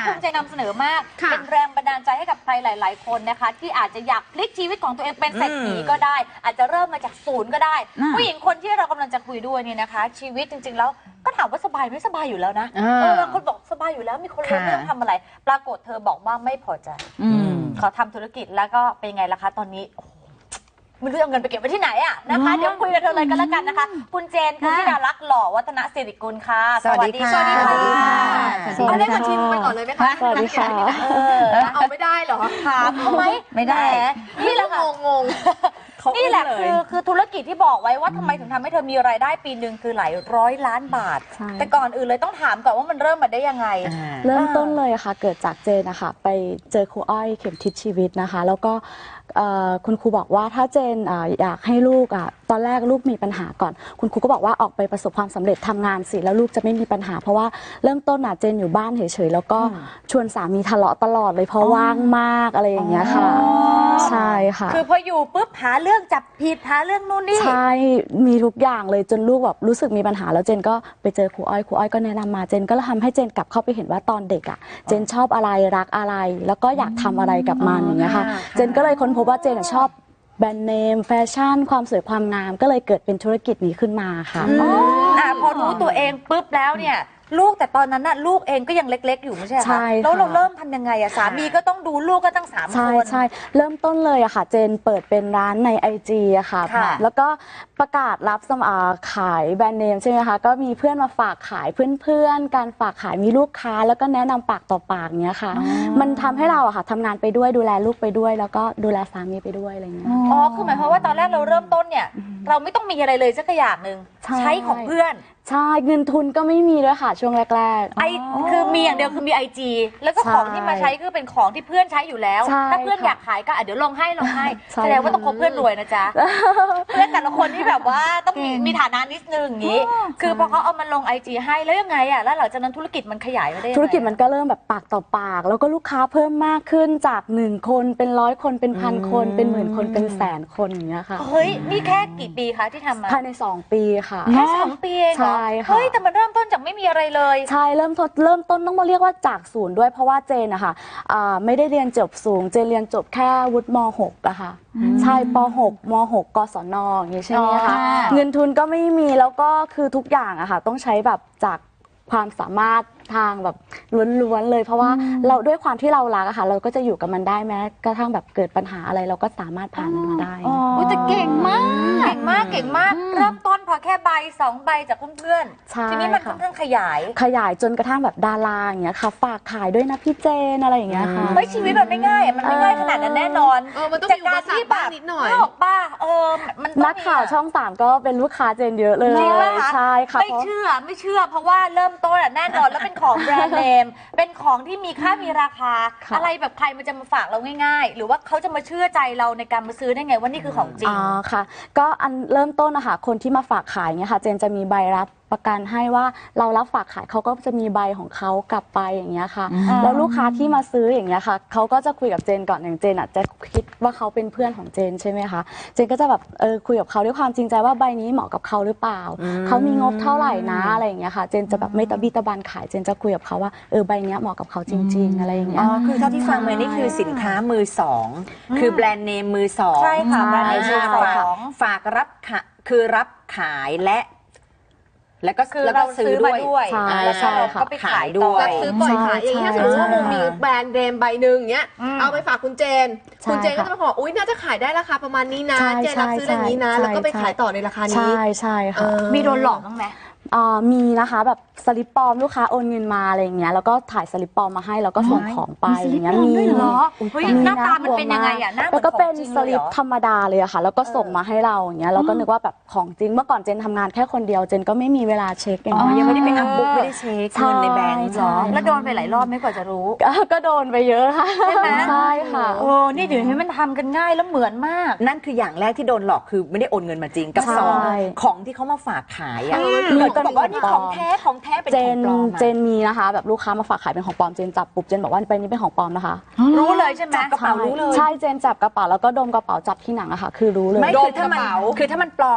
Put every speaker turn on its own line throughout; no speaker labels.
ภูมิใจนำเสนอมากเป็นแรงบันดาลใจให้กับใครหลายๆคนนะคะที่อาจจะอยากพลิกชีวิตของตัวเองเป็นเศรษฐีก็ได้ อาจจะเริ่มมาจากศูนย์ก็ได้ ผู้หญิงคนที่เรากำลังจะคุยด้วยเนี่ยนะคะ ชีวิตจริงๆแล้วก็ถามว่าสบายไม่สบายอยู่แล้วนะบางคนบอกสบายอยู่แล้วมีคนรู้ไม่ต้องทำอะไรปรากฏเธอบอกว่าไม่พอใจขอทำธุรกิจแล้วก็เป็นไงล่ะคะตอนนี้ไม่รู้เอาเงินไปเก็บไว้ที่ไหนอะนะคะเดี๋ยวคุยกับเธอเลยกันแล้วกันนะคะคุณเจนคุณธิดารักษ์หล่อวัฒนศิริกุลค่ะ
สวัสดีค่ะ
เอาเลขบัญชีไปก่อนเลยไหมคะ
สวัสดีค่ะ
เอาไม่ได้เหรอถามทำไม
ไม่ได้
นี่แหละงงนี่แหละคือธุรกิจที่บอกไว้ว่าทำไมถึงทำให้เธอมีรายได้ปีหนึ่งคือหลายร้อยล้านบาทแต่ก่อนอื่นเลยต้องถามก่อนว่ามันเริ่มมาได้ยังไง
เริ่มต้นเลยค่ะเกิดจากเจนนะคะไปเจอครูอ้อยเข็มทิศชีวิตนะคะแล้วก็คุณครูบอกว่าถ้าเจนอยากให้ลูกตอนแรกลูกมีปัญหาก่อนคุณครูก็บอกว่าออกไปประสบความสำเร็จทำงานสิแล้วลูกจะไม่มีปัญหาเพราะว่าเริ่มต้นเจนอยู่บ้านเฉยๆแล้วก็ชวนสามีทะเลาะตลอดเลยเพราะว่างมากอะไรอย่างเงี้ยค่ะใช่ค่ะ
คือพออยู่ปุ๊บหาเรื่องจับผิดหาเรื่องนู่นนี่
ใช่มีทุกอย่างเลยจนลูกแบบรู้สึกมีปัญหาแล้วเจนก็ไปเจอครูอ้อยก็แนะนำมาเจนก็ทำให้เจนกลับเข้าไปเห็นว่าตอนเด็กเจนชอบอะไรรักอะไรแล้วก็อยากทำอะไรกับมันอย่างเงี้ยค่ะเจนก็เลยค้นพบว่าเจนชอบแบรนด์เนมแฟชั่นความสวยความงามก็เลยเกิดเป็นธุรกิจนี้ขึ้นมาค่ะ
พอรู้ตัวเองปุ๊บแล้วเนี่ยลูกแต่ตอนนั้นน่ะลูกเองก็ยังเล็กๆอยู่ไม่ใช่คะแล้วเราเริ่มทำยังไงสามีก็ต้องดูลูกก็ตั้ง3 คน
ใช่เริ่มต้นเลยค่ะเจนเปิดเป็นร้านใน IG ค่ะแล้วก็ประกาศรับขายแบรนด์เนมใช่ไหมคะก็มีเพื่อนมาฝากขายเพื่อนการฝากขายมีลูกค้าแล้วก็แนะนำปากต่อปากเนี้ยค่ะมันทำให้เราค่ะทำงานไปด้วยดูแลลูกไปด้วยแล้วก็ดูแลสามีไปด้วยอะไรเงี้ย
คือหมายความว่าตอนแรกเราเริ่มต้นเนี่ยเราไม่ต้องมีอะไรเลยสักอย่างหนึ่งใช้ของเพื่อน
ใช่เงินทุนก็ไม่มีด้วยค่ะช่วงแรก
ๆคือมีอย่างเดียวคือมี IG แล้วก็ของที่มาใช้คือเป็นของที่เพื่อนใช้อยู่แล้วถ้าเพื่อนอยากขายก็เดี๋ยวลงให้แสดงว่าต้องคบเพื่อนรวยนะจ๊ะเพื่อนแต่ละคนที่แบบว่าต้องมีฐานะนิดนึงอย่างนี้คือพอเขาเอามาลง IG ให้แล้วยังไงแล้วหลังจากนั้นธุรกิจมันขยายไปได้
ธุรกิจมันก็เริ่มแบบปากต่อปากแล้วก็ลูกค้าเพิ่มมากขึ้นจาก1 คนเป็น100 คนเป็น1,000 คนเป็นหมื่นคนเป็นแสนคนอย่างเงี้ยค่ะ
เฮ้ยนี่แค่กี่ปีคะที่ทำมา
ภายใน2 ปีค่ะ
แค่2 ปีเองเหรอเฮ้ยแต่มันเริ่มต้นจากไม่มีอะไรเลย
ใช่เริ่มต้นต้องมาเรียกว่าจากศูนย์ด้วยเพราะว่าเจนนะคะไม่ได้เรียนจบสูงเจนเรียนจบแค่วุฒิม.6 อะค่ะใช่ป.6 ม.6 กศนอย่างนี้ใช่ไหมคะเงินทุนก็ไม่มีแล้วก็คือทุกอย่างอะค่ะต้องใช้แบบจากความสามารถทางแบบล้วนๆเลยเพราะว่าเราด้วยความที่เรารักอะค่ะเราก็จะอยู่กับมันได้แม้กระทั่งแบบเกิดปัญหาอะไรเราก็สามารถผ่านมันมาได้
แต่เก่งมากเริ่มต้นพอแค่ใบ2 ใบจากเพื่อนๆทีนี้มันค่อนข้างขยาย
จนกระทั่งแบบดาราอย่างเงี้ยค่ะฝากขายด้วยนะพี่เจนอะไรอย่างเงี้ยค่ะ
ชีวิตมันไม่ง่ายมันไม่ง่ายขนาดนั้นแน่นอน
มันต้องมีอุปสรรคบ้างนิดหน่อย
ป้ามัน
นักข่าวช่อง3ก็เป็นลูกค้าเจนเยอะเลยใช่ค่ะ
ไม่เชื่อเพราะว่าเริ่มต้นแน่นอนแล้วเป็นของแบรนด์เนมเป็นของที่มีค่ามีราคาอะไรแบบใครมันจะมาฝากเราง่ายๆหรือว่าเขาจะมาเชื่อใจเราในการมาซื้อได้ไงว่านี่คือของจริง
ค่ะก็อันเริ่มต้นนะคะคนที่มาฝากขายเนี่ยค่ะเจนจะมีใบรับประกันให้ว่าเรารับฝากขายเขาก็จะมีใบของเขากลับไปอย่างเงี้ยค่ะแล้วลูกค้าที่มาซื้ออย่างเงี้ยค่ะเขาก็จะคุยกับเจนก่อนอย่างเจนจะคิดว่าเขาเป็นเพื่อนของเจนใช่ไหมคะเจนก็จะแบบคุยกับเขาด้วยความจริงใจว่าใบนี้เหมาะกับเขาหรือเปล่าเขามีงบเท่าไหร่นะอะไรอย่างเงี้ยค่ะเจนจะแบบไม่ตะบี้ตะบันขายเจนจะคุยกับเขาว่าใบนี้เหมาะกับเขาจริงๆอะไรอย่างเงี้ย
คือเท่าที่ฟังมานี่คือสินค้ามือ2คือแบรนด์เนมมือ2
ใช่ค่ะแบรนด์เนมมือ
2ฝากรับคือรับขายแล้วก็ซื้อด้วย
แล้วก็ไปขายด้วย
รับซื้อปล่อยขายอย่างนี้ถ้าสมมติว่าโมมีแบรนด์เนมใบหนึ่งเงี้ยเอาไปฝากคุณเจนก็จะมาบอกอุ๊ยน่าจะขายได้ราคาประมาณนี้นะเจนรับซื้ออย่างนี้นะแล้วก็ไปขายต่อในราคานี้
ใช่ค่ะ
มีโดนหลอกบ้างไหม
มีนะคะแบบสลิปปลอมลูกค้าโอนเงินมาอะไรอย่างเงี้ยแล้วก็ถ่ายสลิปปลอมมาให้แล้วก็ส่งของไปอย่างเงี้ยมี
หน้าตามันเป็นยังไงอ่ะ
แล้วก็เป็นสลิปธรรมดาเลยอะค่ะแล้วก็ส่งมาให้เราอย่างเงี้ยเราก็นึกว่าแบบของจริงเมื่อก่อนเจนทำงานแค่คนเดียวเจนก็ไม่มีเวลาเช็คอย่างเงี้ย
ยังไม่ได้ไปอัพบุ๊กไม่ได้เช็คเงินในแบงก์หรอ
แล้วโดนไปหลายรอบไม่กว่าจะรู้
ก็โดนไปเยอะค่ะใช่ค่ะ
นี่เดี๋ยวนี้มันทำกันง่ายแล้วเหมือนมาก
นั่นคืออย่างแรกที่โดนหลอกคือไม่ได้โอนเงินมาจริงกับ2ของที่เขามาฝากขายอ่ะ
ก็บอกว่านี่ของแท้เป็นของปลอม
เจนมีนะคะแบบลูกค้ามาฝากขายเป็นของปลอมเจนจับปุ๊บเจนบอกว่าใบนี้เป็นของปลอมนะคะ
รู้เลยใช่ไหม
จับกระเป๋ารู้เลย
ใช่เจนจับกระเป๋าแล้วก็ดมกระเป๋าจับที่หนังอะค่ะคือรู้เลย
ไม่คือถ้ามันปลอมแบบ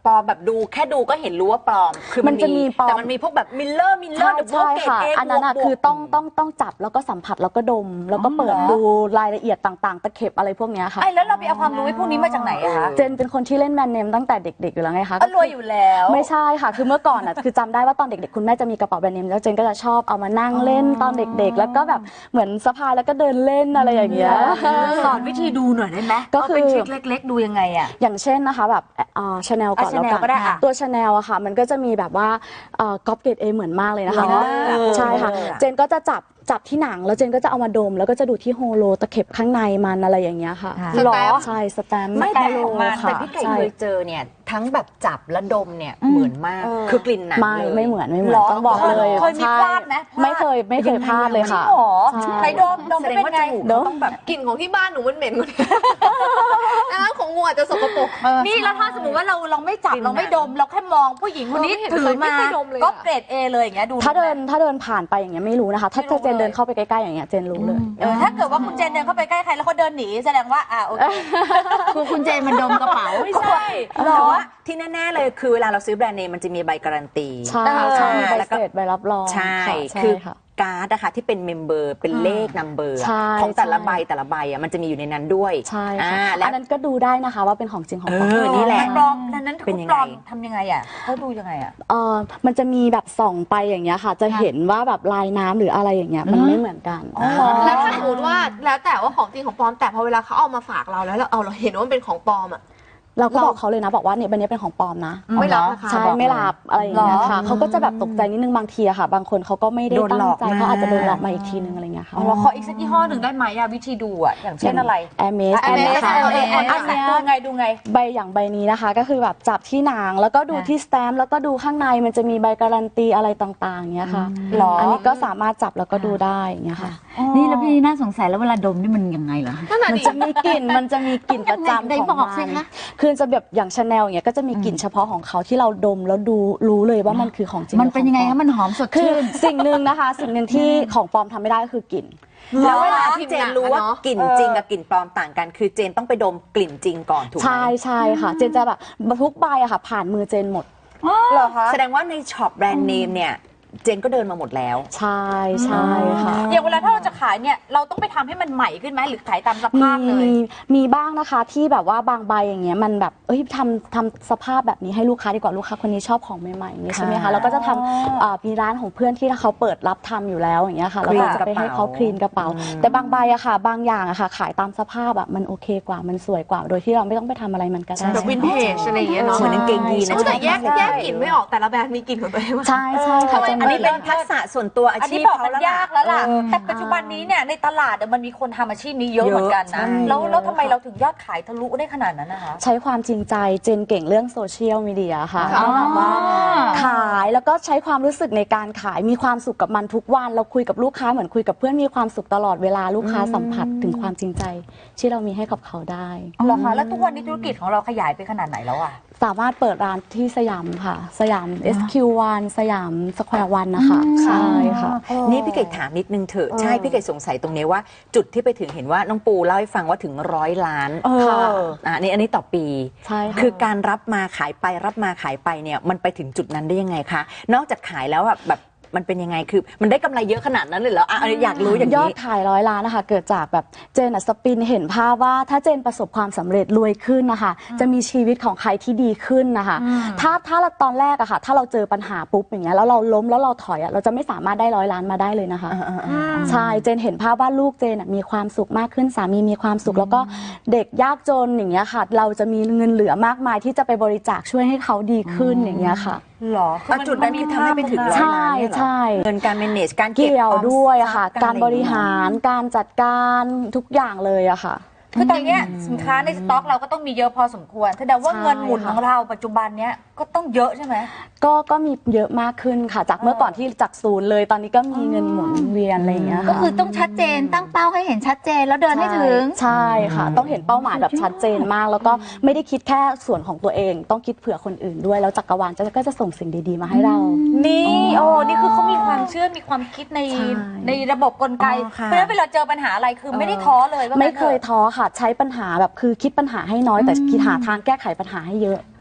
ปลอมแบบดูแค่ดูก็เห็นรู้ว่าปลอมคือ
มันจะมีปลอม
แต่มันมีพวกแบบมิลเลอร์เดอะโบเกต
ค่ะ
เอ
อันนั้นอะคือต้องจับแล้วก็สัมผัสแล้วก็ดม แล้วก็เปิดดูรายละเอียดต่างๆ ตะเข็บอะไรพวกเนี้ยค่ะ
ไอ้แล้วเราไปเอาความรู้พวกนี้มาจากไหนอะคะ
เจนเป็นคนที่เล่นแบรนด์เนมตั้งแต่เด็กๆอยู่แล้วไงคะ
ก็รวยอยู่แล้ว
ไม่ใช่ค่ะ คือเมื่อก่อนอ่ะ คือจำได้ว่าตอนเด็กๆ คุณแม่จะมีกระเป๋าแบรนด์เนมแล้วเจนก็จะชอบเอามานั่งเล่นตอนเด็กๆ แล้วก็แบบเหมือนสะพายแล้วก็เดินเล่นอะไรอย่างเงี้ย
สอนวิธีดูหน่อยได้ไหม
ก็คือ
เป็นทริคเล็กๆ ดูยังไงอะ
อย่างเช่นนะคะแบบชาแนลก่อนแล้ว
Chanel ก็ได้
กั
อะ
นตัวชาแนลอะค่ะ มันก็จะมีแบบว่าก๊อปเกรดเอเหมือนมากเลยนะคะ
เหรอ
ใช่ค่ะ เจนก็จะจับที่หนังแล้วเจนก็จะเอามาดม แล้วก็จะดูที่โฮโลตะเข็บข้างในมันอะไรอย่างเงี้ยค่ะ
สแตมป์
ใช่สแตมป์
ไม่แต่
โฮ
อ
โล
อกมา
ค่ะ
แต่พี่ไก่
ใช่
เคยเจอเนี่ยทั้งแบบจับและดมเนี่ยเหมือนมากคือกลิ่นหนัง
ไม่
เลย
ไม่เหมือน
หรอ
ต้องบอกเลย
เคยมี
ใช่
พลาดไหมพลาด
ไม่เคยพลาดเลยค่ะ
จริงเหรอ
ใช่
ใครดม
แส
ไม่
ดง
เป็น
ว่า
ไง
จมูก
เนอะ
ต้องแบบ
กลิ่นของที่บ้านหนูมันเหม็นกว่านี้น้ำของงูอาจจะสกปรก
นี่แล้วถ้าสมมติว่าเราไม่จับ
จริง
เราไม่ดมเราแค่มองผู้หญิงคนนี้
เราไม่เห็น
ถือมา
เคยดมเลยอะ
ก็เกรด A เลยอย่างเงี้ยดู
ถ้าเดินผ่านไปอย่างเงี้ยไม่รู้นะคะ ถ้าเจนเดินเข้าไปใกล้ๆอย่างเงี้ยเจนรู้เลย
ถ้าเกิดว่าคุณเจนเดินเข้าไปใกล้ใครแล้วเขาเดินหนีแสดงว่าโอเค
คือคุณเจนมันดมกระเป๋า
ไม่ใช่แต่ว่าที่แน่ๆเลยคือเวลาเราซื้อแบรนด์เนมมันจะมีใบการันตี
ใช่ใช่มีใบ
แล้ว
เส
ก็
ร็จใบรับรอง
ใช่
ค่ะ
คือ
ค่ะ
การ์ดนะคะที่เป็นเมมเบอร์เป็นเลขนัมเบอร์
ใช่
ของแต่ละ
ใช่
ใบมันจะมีอยู่ในนั้นด้วย
ใช่ค่ะ
และ
อันนั้นก็ดูได้นะคะว่าเป็นของจริงของปลอม
นี่แหละ
มันปลอมนั้น
เป็น
เขา
ยัง
ป
ไง
ลอมทำยังไงอ่ะเขาดูยังไงอ่ะ
มันจะมีแบบส่องไปอย่างเงี้ยค่ะ จะเห็นว่าแบบลายน้ำหรืออะไรอย่างเงี้ยมันไม่เหมือนกัน
แล้วถ้าสมมติว่าแล้วแต่ว่าของจริงของปลอมแต่พอเวลาเขาเอามาฝากเราแล้วเราเห็นว่ามันเป็นของปลอมอ่ะ
เราก็บอกเขาเลยนะบอกว่าเนี่ยใบนี้เป็นของปลอมนะ
ไม่รับนะคะ
ใช่
บอกเลย
ไม่รับอะไรอย่างเงี้ยค่ะ
หรอ
เขาก็จะแบบตกใจนิดนึงบางทีอะค่ะ บางคนเขาก็ไม่ได้
โดน
ตั้
หล
ง
อก
ใจ
มา
เขาอาจจะโดนหลอกมาอีกทีนึงอะไรเงี้ยค่ะ
เราขออีกสักยี่ห้อหนึ่งได้ไหมอะวิธีดูอะอย่างเช่นอะไร
แอร์เมส
Hermes
ค่ะ
อันเนี้ยดูไง
ใบอย่างใบนี้นะคะ ก็คือแบบจับที่หนังแล้วก็ดูที่สแตมป์แล้วก็ดูข้างในมันจะมีใบการันตีอะไรต่างๆเงี้ยค่ะ
หรออั
นนี้ก็สามารถจับแล้วก็ดูได้อย่างเงี้ยค่ะ
นี่แล้วพี่น่าสงสัยแล้วเวลาดมนี่มันยังไงเหรอ
นั่นน่ะ
มัน
ดิ
จะมีกลิ่นประจำ
ไหน
ของ
บอก
มั
สิ
น
คะ
คือจะแบบอย่างชาแนลอย่างเงี้ยก็จะมีกลิ่นเฉพาะของเขาที่เราดมแล้วรู้เลยว่ามันคือของจริง
มันเป็นยังไงคะมันหอมสด
คือ
ชื่น
สิ่งหนึ่งนะคะ สิ่งหนึ่งที่ของปลอมทำไม่ได้ก็คือกลิ่น
แล้วเวลาที่เจนรู้ว่ากลิ่นจริงกับกลิ่นปลอมต่างกัน คือเจนต้องไปดมกลิ่นจริงก่อนถูกไหม
ใช่ค่ะ เจนจะแบบทุกใบอะค่ะ ผ่านมือเจนหมด
เหรอคะ
แสดงว่าในช็อปแบรนด์เนมเนี่ยเจนก็เดินมาหมดแล้ว
ใช่ค่ะ
อย่างเวลาถ้าเราจะขายเนี่ยเราต้องไปทำให้มันใหม่ขึ้นไหมหรือขายตามสภาพเลย
มีบ้างนะคะที่แบบว่าบางใบอย่างเงี้ยมันแบบทำสภาพแบบนี้ให้ลูกค้าดีกว่าลูกค้าคนนี้ชอบของใหม่ๆอย่างนี้ใช่ไหมคะแล้วก็จะทำมีร้านของเพื่อนที่เขาเปิดรับทำอยู่แล้วอย่างเงี้ยค่ะแล้วก็จะไปให้เขาคลีนกระเป๋า แต่บางใบอะค่ะ บางอย่างอะค่ะ ขายตามสภาพอะมันโอเคกว่ามันสวยกว่า โดยที่เราไม่ต้องไปทำอะไรมันก็ได้
แบบวินเทจอะไรอย่างเงี้ยเนาะ
เหมือนกางเกงยีนนะ
แต่แยกกลิ่นไม่ออกแต่ละแบรนด์มีกลิ่นของตัวเองว่ะ
ใช่ค่ะเจน
อันนี้เป็นทักษะส่วนตัวอา
อัน
ชี
นี้
พ
บอก
เขา
มัน
แล้ว
ยากแล้วล่ะ แต่ปัจจุบันนี้เนี่ยในตลาดมันมีคนทำอาชีพนี้เยอะเหมือนกันนะ แล้วทำไมเราถึงยอดขายทะลุได้ขนาดนั้นนะคะ
ใช้ความจริงใจเจนเก่งเรื่องโซเชียลมีเดียค่ะ
อ๋อ
ก็แบบว่าขายแล้วก็ใช้ความรู้สึกในการขายมีความสุขกับมันทุกวันเราคุยกับลูกค้าเหมือนคุยกับเพื่อนมีความสุขตลอดเวลาลูกค้าสัมผัสถึงความจริงใจที่เรามีให้กับเขาได้
เหรอคะแล้วทุกวันนี้ธุรกิจของเราขยายไปขนาดไหนแล้วอะ
สามารถเปิดร้านที่สยามค่ะ สยาม SQ1 สยามสแควร์วันนะคะใช่ค่ะ
นี่พี่เกดถามนิดนึงเถอะใช่พี่เกดสงสัยตรงนี้ว่าจุดที่ไปถึงเห็นว่าน้องปูเล่าให้ฟังว่าถึง100 ล้าน
ค่ะ
อันนี้ต่อปี
ใช่ค่ะ
คือการรับมาขายไปเนี่ยมันไปถึงจุดนั้นได้ยังไงคะนอกจากขายแล้วแบบมันเป็นยังไงคือมันได้กำไรเยอะขนาดนั้นเลยเหรออยากรู้อย่าง
ยอด
นี้
ขาย100 ล้านนะคะเกิดจากแบบเจนสปินเห็นภาพว่าถ้าเจนประสบความสำเร็จรวยขึ้นนะคะจะมีชีวิตของใครที่ดีขึ้นนะคะถ้าเราตอนแรกอะค่ะถ้าเราเจอปัญหาปุ๊บอย่างเงี้ยแล้วเราล้มแล้วเราถอยอะเราจะไม่สามารถได้100 ล้านมาได้เลยนะคะใช่เจนเห็นภาพว่าลูกเจนอะมีความสุขมากขึ้นสามีมีความสุขแล้วก็เด็กยากจนอย่างเงี้ยค่ะเราจะมีเงินเหลือมากมายที่จะไปบริจาคช่วยให้เขาดีขึ้นอย่างเงี้ยค่ะ
หรอ
จุดนั้นคือทำให้ไปถึง100
ใช่
ล้านเนี่ยเหรอ
ใช่
เงินการ manage การเก็บ
เกี่ยว
ออม
ด้วย
ทรั
อะ
พ
ค่ะ การบริหารการจัดการทุกอย่างเลยอะค่ะ
คือตอนเนี้ยสินค้าในสต็อกเราก็ต้องมีเยอะพอสมควรแสดงว่า
ใช่
เงินหมุน
ค่ะ
ของเราปัจจุบันเนี้ยก็ต้องเยอะใช่ไหม
ก็มีเยอะมากขึ้นค่ะ จากเมื่อก่อนที่จากศูนย์เลยตอนนี้ก็มีเงินหมุนเวียนอะไรอย่างเงี้ย
ก็
ค่ะ
คือต้องชัดเจนตั้งเป้าให้เห็นชัดเจนแล้วเดินให้ถึง
ใช่ค่ะ ต้องเห็นเป้าหมายแบบชัดเจนมาก แล้วก็ไม่ได้คิดแค่ส่วนของตัวเอง ต้องคิดเผื่อคนอื่นด้วยแล้วจักรวาลก็จะส่งสิ่งดีๆมาให้เรา
นี่นี่คือเขามีความเชื่อมีความคิดใน
ใช่
ในระบบกลไก
อ๋อค่ะ
เพราะฉะนั้นเวลาเจอปัญหาอะไรคือไม่ได้ท้อเลยว่างั้น
ไม่เคย
ถอะ
ท้อค่ะ ใช้ปัญหาแบบคือคิดปัญหาให้น้อยแต่คิดหาทางแก้ไขปัญหาให้เยอะ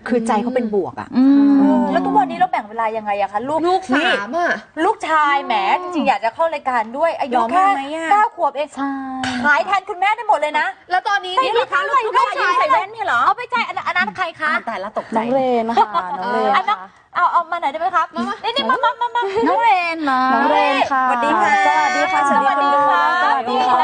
คือใจเขาเป็นบวกอ่ะ
แล้วทุกวันนี้เราแบ่งเวลายังไงอะคะลูก
ลูกสามอ่ะ
ลูกชายแหมจริงๆอยากจะเข้ารายการด้วยอายุ
ยอม
แค่
ไหมอะ
9 ขวบเอง
ใช่
ขายแทนคุณแม่ได้หมดเลยนะ
แล้วตอนนี้นี่นะคะลูก
ลูก
ชาย
ใส่แว่นเนี่ยเหรอเอาไปจ่ายอันนั้นใครคะ
แต่ละตกใจ
น้องเรนนะคะน้องเรน
อันนั้น
ค่ะ
เอามาไหนอยได้ไหมครับนี่มา
น้องเรนเหรอ
น้องเรนค่ะ
สวัสดีค่ะ
สวัสดีค่ะ
สวัสดีค่ะ
สวัสดีค่ะ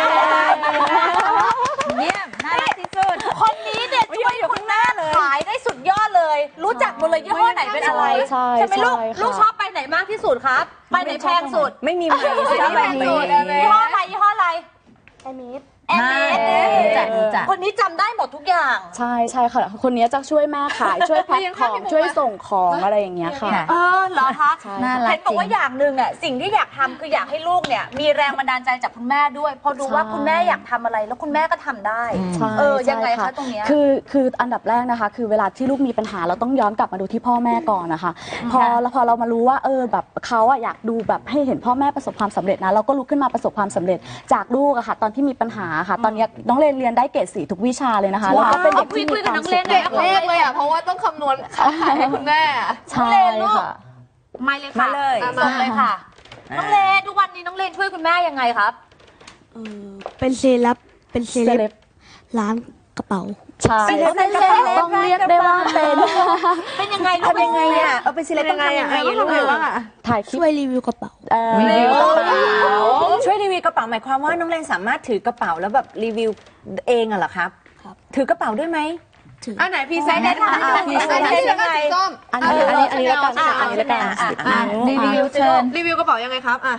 เยี่ยมน่ารักที่สุด
คนนี้เนี่ยช่วยคุณแม่ขายได้สุดยอดเลย รู้จักหมดเลยยี่ห้อไหนเป็นอะไร
ใช่
ไหมลูก
ใช่ค่ะ
ลูกชอบไปไหนมากที่สุดครับไปไหนแพงสุด
ไม่มีไมค์
ชอบไปไหนสุดยี่ห้ออะไรยี่ห้ออะไร
ไอมิด
แอมเมส
รู้จัก
คนนี้จำได้หมดทุกอย่าง
ใช่ใช่ค่ะ คนนี้จะช่วยแม่ขาย ช่วยแพ็คของช่วยส่งของอะไรอย่างเงี้ยค่ะ
เออเหรอคะ
ใช่
น่ารัก
เห็นบอกว่าอย่างหนึ่งอ่ะสิ่งที่อยากทำคืออยากให้ลูกเนี่ยมีแรงบันดาลใจจากคุณแม่ด้วย พอดูว่าคุณแม่อยากทำอะไรแล้วคุณแม่ก็ทำได้
ใช่
ยังไง
ใช่
คะตรงเนี้ย
คืออันดับแรกนะคะ คือเวลาที่ลูกมีปัญหาเราต้องย้อนกลับมาดูที่พ่อแม่ก่อนนะคะ พอเรามารู้ว่าแบบเขาอะอยากดูแบบให้เห็นพ่อแม่ประสบความสำเร็จนะเราก็ลุกขึ้นมาประสบความสำเร็จจากลูกอะค่ะ ตอนที่มีปัญหาค่ะ ตอนนี้น้องเรนเรียนได้เกรด4ทุกวิชาเลยนะคะแล้วก็เป็นเด็กที่มีความสุข
เด็กเลขเลยอ่ะเพราะว่าต้องคำนวณค่าขายให้คุณแม่อะ
ใช่ค่ะ
ไม่เลยค่ะ
มาเลย
ส่งเลยค่ะ น้องเลนทุกวันนี้น้องเลนช่วยคุณแม่ยังไงครับ
เป็นเซเลบเป็นเซ
เซ
เล
เล
บบ ร้านกระเป๋า
ใช่ต้องเรียกได้ว่าเป็น
เป็นยังไงลูก
ทำยังไงอ่ะเอาเป็นศิลปินทำยังไงลูก
ถ่ายคลิป
ช่วยรีวิวกระเป๋า
รีวิว
ช่วยรีวิวกระเป๋าหมายความว่าน้องเรนสามารถถือกระเป๋าแล้วแบบรีวิวเองอะเหรอครับ
ครับ
ถือกระเป๋าด้วยไหม
ถือ
อันไหนพรีเซนต์ได้ค่ะ
พรีเซนต์
อันนี้แล้วก็สีส้ม
อันนี้แล้วกันอันนี้แล้วกัน
รีวิวเชิญ
รีวิวกระเป๋ายังไงครับอ่ะ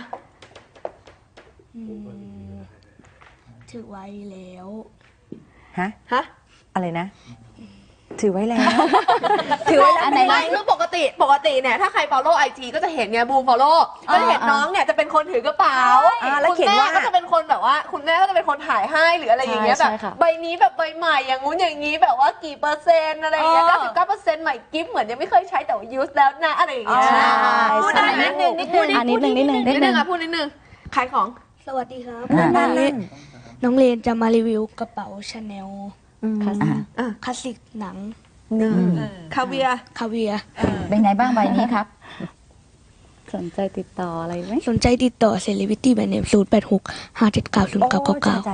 ถือไว้แล้ว
ฮะ
ฮะ
อะไรนะ ถือไว้แล้ว ถือไว้แล้ว
อันไหน
ไม่คือปกติเนี่ยถ้าใคร follow IG ก็จะเห็นไงบูม follow ก็จะเห็นน้องเนี่ยจะเป็นคนถือกระเป๋า
แล้วเขียนว่า
คุณแม่ก็จะเป็นคนแบบว่าคุณแม่ก็จะเป็นคนถ่ายให้หรืออะไรอย่างเงี้ย
ใช่
แบบ
ค่ะ
ใบนี้แบบใบใหม่อย่างงู้นอย่างงี้แบบว่ากี่เปอร์เซ็นต์อะไรอย่างเงี้ย99%ใหม่กิฟต์เหมือนยังไม่เคยใช้แต่ว่า use แล้วนะอะไรอย่างเงี้ย
ใช่
พูดได้ไหม
นิดนึงนิดนึง
นิดนึงอ่ะพูดนิดนึงขายของ
สวัสดีครับ
นั่น
น้องเรนจะมารีวิวกระเป๋าชาแนล
อ่ะ
คลาสสิกหนัง
คาเวียร์
คาเวียร์
เป็นไงบ้างใบนี้ครับ
สนใจติดต่ออะไรไหม
สนใจติดต่อเซเลบริตี้แบรนด์เนม0865790999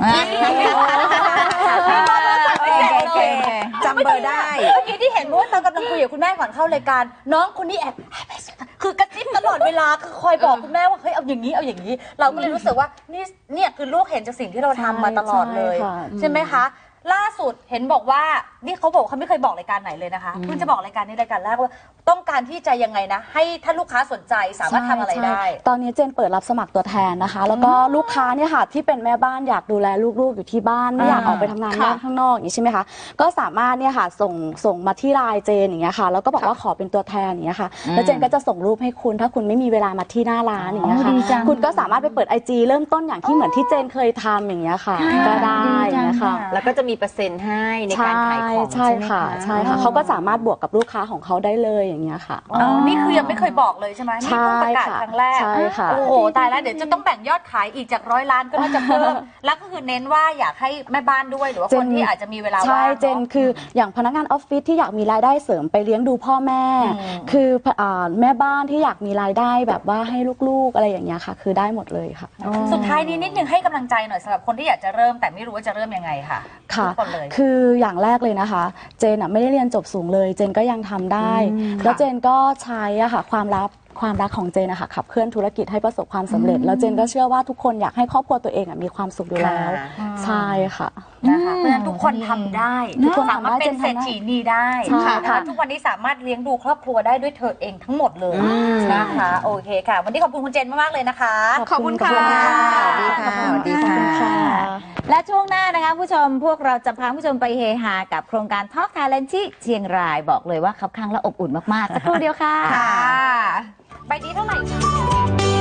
จำเบอร์ได้
เมื่อกี้ที่เห็นว่าตอนกำลังคุยกับคุณแม่ก่อนเข้ารายการน้องคนนี้แอบคือกระซิบตลอดเวลาคือคอยบอกคุณแม่ว่าเฮ้ยเอาอย่างนี้เอาอย่างนี้ เราก็เลยรู้สึกว่าเนี่ยคือลูกเห็นจากสิ่งที่เราทำมาตลอดเลย
ใช่ค่ะ
ใช่ไหมคะ ล่าสุดเห็นบอกว่านี่เขาบอกเขาไม่เคยบอกรายการไหนเลยนะคะเพิ่งจะบอกรายการนี้รายการแรกว่าต้องการที่จะยังไงนะให้ถ้าลูกค้าสนใจสามารถทำอะไรได้
ใช่ตอนนี้เจนเปิดรับสมัครตัวแทนนะคะ แล้วก็ลูกค้าเนี่ยค่ะที่เป็นแม่บ้านอยากดูแลลูกๆอยู่ที่บ้านไม่อยากออกไปทำงานข้างนอกอย่างนี้ใช่ไหมคะก็สามารถเนี่ยค่ะส่งมาที่ไลน์เจนอย่างเงี้ยค่ะแล้วก็บอกว่าขอเป็นตัวแทนอย่างเงี้ยค่ะแล้วเจนก็จะส่งรูปให้คุณถ้าคุณไม่มีเวลามาที่หน้าร้านอย่างเงี้ย
ดีจั
ค่ะ
ง
คุณก็สามารถไปเปิด IG เริ่มต้นอย่างที่เหมือนที่เจนเคยทำอย่างเงี้ยค่ะก็ได้อย่างเงี้ยค่ะ
แล้วก็จะมีเปอร์เซ็นต์ให้ในการขายของ
ใช่
ใช่ไหม
ค่ะ
คะ
ใช่ค่ะเขาก็สามารถบวกกับลูกค้าของเขาได้เลยอย่างเงี้ยค่ะ
อ๋อนี่คือยังไม่เคยบอกเลยใช่ไหมนี่เพิ่งประกาศครั้งแรก
ใช่ค่ะ
โอ้โหตายแล้วเดี๋ยวจะต้องแบ่งยอดขายอีกจาก100 ล้านก็น่าจะเพิ่ม แล้วก็คือเน้นว่าอยากให้แม่บ้านด้วยหรือว่าคนที่อาจจะมีเวลาว่าง
ใช่เจน
เนาะ
คืออย่างพนักงานออฟฟิศที่อยากมีรายได้เสริมไปเลี้ยงดูพ่อแม่ คือแม่บ้านที่อยากมีรายได้แบบว่าให้ลูกๆอะไรอย่างเงี้ยค่ะ คือได้หมดเลยค่ะ
สุดท้ายนี้นิดนึงให้กำลังใจหน่อยสำหรับคนที่อยากจะเริ่มแต่ไม่รู้ว่าจะเริ่มยังไงค่ะ
ค่ะ
ทุกคนเลย
คืออย่างแรกเลยนะคะ เจนไม่ได้เรียนจบสูงเลย เจนก็ยังทำได้ แล้วเจนก็ใช้อะค่ะความรักของเจนนะคะขับเคลื่อนธุรกิจให้ประสบความสำเร็จ แล้วเจนก็เชื่อว่าทุกคนอยากให้ครอบครัวตัวเองมีความสุขอยู่แล้ว ใช่ค่ะ
นะคะเพราะฉะนั้นทุกคนทำได้
ทุกคน
สามารถเป็นเศรษฐีนีได้
ใช่
นะคะ
ค่ะ
ทุกวันนี้สามารถเลี้ยงดูครอบครัวได้ด้วยเธอเองทั้งหมดเลยนะคะโอเคค่ะ วันนี้ขอบคุณคุณเจนมากๆเลยนะคะ
ขอบคุณค่ะ
สวัสดีค่ะสวัสดีค่ะ
และช่วงหน้านะคะผู้ชมพวกเราจะพาผู้ชมไปเฮฮากับโครงการ Talk Thailand ที่เชียงรายบอกเลยว่าคับข้างและอบอุ่นมากๆสักครู่เดียวค่ะ
ค่ะใบนี้เท่าไหร่